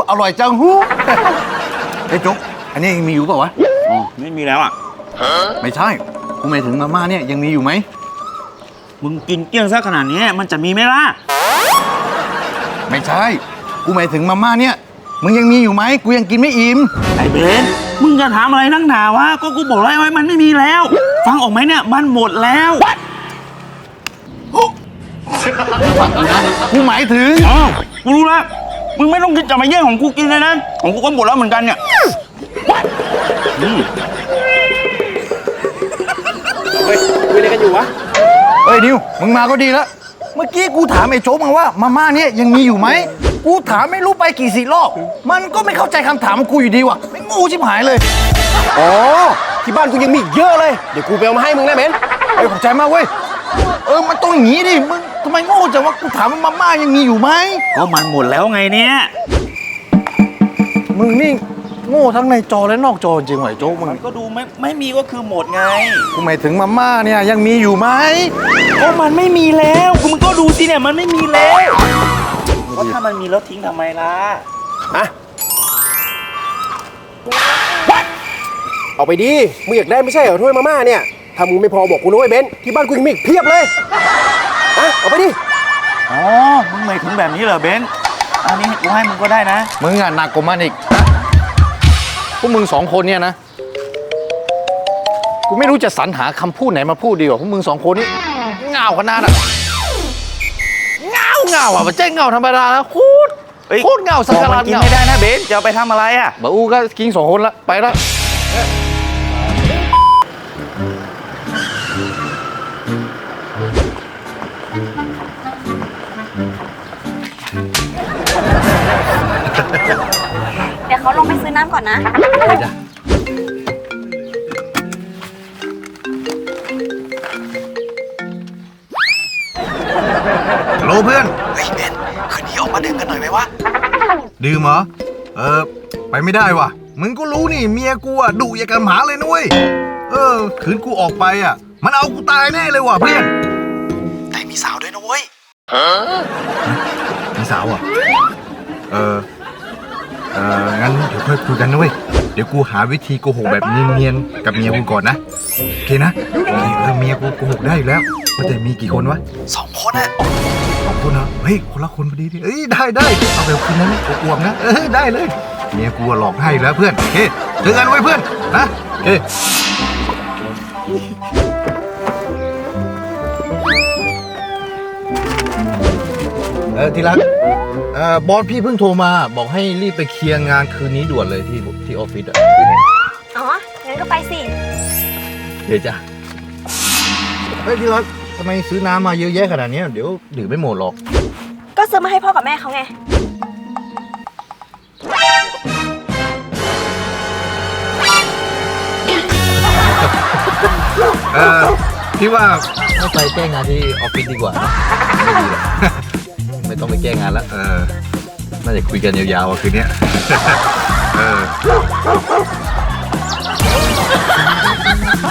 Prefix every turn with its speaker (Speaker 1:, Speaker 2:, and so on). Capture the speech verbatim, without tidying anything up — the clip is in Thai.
Speaker 1: อร่อยจังฮู้ไอ้จุ๊กอันนี้ยังมีอยู่เปล่าวะ
Speaker 2: อ๋อไม่มีแล้วอ่ะ
Speaker 1: ไม่ใช่กูหมายถึงมาม่าเนี่ยยังมีอยู่ไหม
Speaker 2: มึงกินเกลี้ยงซะขนาดนี้มันจะมีไหมล่ะ
Speaker 1: ไม่ใช่กูหมายถึงมาม่าเนี่ยมึงยังมีอยู่ไหมกูยังกินไม่อิ่ม
Speaker 2: ไอ้เบนมึงจะถามอะไรนักหนาวะก็กูบอกแล้วไว้มันไม่มีแล้วฟังออกไหมเนี่ยมันหมดแล้ว
Speaker 1: กูหมายถึง
Speaker 2: อ๋อกูรู้แล้วมึงไม่ต้องคิดจะมาแย่งของกูกินเลยนะของกูก็หมดแล้วเหมือนกันเนี่ยเฮ้ยคุยอะไรกันอยู่วะ
Speaker 1: เฮ้ยนิวมึงมาก็ดีแล้วเมื่อกี้กูถามไอ้โจ๊กมาว่ามาม่าเนี่ยยังมีอยู่ไหมกูถามไม่รู้ไปกี่สิบรอบมันก็ไม่เข้าใจคำถามกูอยู่ดีว่ะไม่งูชิบหายเลย
Speaker 3: อ๋อที่บ้านกูยังมีเยอะเลยเดี๋ยวกูไปเอามาให้มึงได้เบน
Speaker 1: เฮ้ยขอบใจมากเว้ยเออมันต้องอย่างงี้ดิมึงทำไมโง่จังวะกูถามว่ามาม่ายังมีอยู่ไหม
Speaker 2: ก็มันหมดแล้วไงเนี่ย
Speaker 1: มึงนี่โง่ทั้งในจอและนอกจอจริงไหวโจ๊กมึง
Speaker 2: ก็ดูไม่ไม่มีก็คือหมดไง
Speaker 1: กูหมายถึงมาม่าเนี่ยยังมีอยู่ไหม
Speaker 2: ก็มันไม่มีแล้วมึงก็ดูสิเนี่ยมันไม่มีแล้วก็ถ้ามันมีแล้วทิ้งทำไมล่ะ
Speaker 3: อะเอาไปดิมึงอยากได้ไม่ใช่เหรอถ้วยมาม่าเนี่ยถ้ามึงไม่พอบอกกูนะเว้ยเบนที่บ้านกูยังมีเพียบเลยอะเอาไปดิ
Speaker 2: อ๋อมึงหมายถึงแบบนี้เหรอเบนอันนี้กูให้มึงก็ได้นะ
Speaker 1: มึงอ่ะหนักกว่ามันอีกพวกมึงสองคนเนี่ยนะกูไม่รู้จะสรรหาคำพูดไหนมาพูดดีกว่าพวกมึงสองคนนี่เงาขนาดอ่ะเงาเงาอ่ะมันเจ๊งเงาธรรมดาแล้วโคตรโคตรเงาสักการะ
Speaker 2: กินไม่ได้นะเบนจะเอาไปทำอะไรอ่ะ
Speaker 1: บ่อูก็กินสองคนละไปละ
Speaker 4: เดี๋ยวเขาลงไปซื้อน้ำก่อนนะ
Speaker 1: ไปจ้ะฮัลโหลเพื่อนเฮ้ยเบนคืนนี้ออกมาดื่มกันหน่อยไหมวะดื่มเหรอเออไปไม่ได้ว่ะมึงก็รู้นี่เมียกูอ่ะดุอย่างกับหมาเลยนุ้ยเออคืนกูออกไปอ่ะมันเอากูตายแน่เลยว่ะเพื่อนแต่มีสาวด้วยนะเว้ยมีสาวอ่ะเออเอองั้นเดี๋ยวค่อยคุยกันนะเว้ยเดี๋ยวกูหาวิธีโกหกแบบเนียนๆกับเมียกูก่อนนะโอเคนะโอเคเออเมียกูโกหกได้อยู่แล้วว่าแต่มีกี่คนวะสองคนอะสองคนเหรอเฮ้ยคนละคนพอดีดิเอ้ยได้ได้เอาแบบคืนนั้นอวบๆนะเออได้เลยเมียกูหลอกให้แล้วเพื่อนโอเคเจอกันไว้เพื่อนนะโอเคเออที่รักเอ่อบอสพี่เพิ่งโทรมาบอกให้รีบไปเคลียร์งานคืนนี้ด่วนเลยที่ที่ออฟฟิศอ่ะ
Speaker 4: อ๋องั้นก็ไปสิ
Speaker 1: เดี๋ยวจ้ะเฮ้ยที่รักทำไมซื้อน้ำมาเยอะแยะขนาดนี้เดี๋ยวดื่มไม่หมดหรอก
Speaker 4: ก็ซื้อมาให้พ่อกับแม่เขาไง
Speaker 1: เออพี่ว่าไม่ไปแก้งานที่ออฟฟิศดีกว่าไม่ดีหรอกไม่ต้องไปแก้งานแล้วเออน่าจะคุยกันยาวๆคืนนี้เออ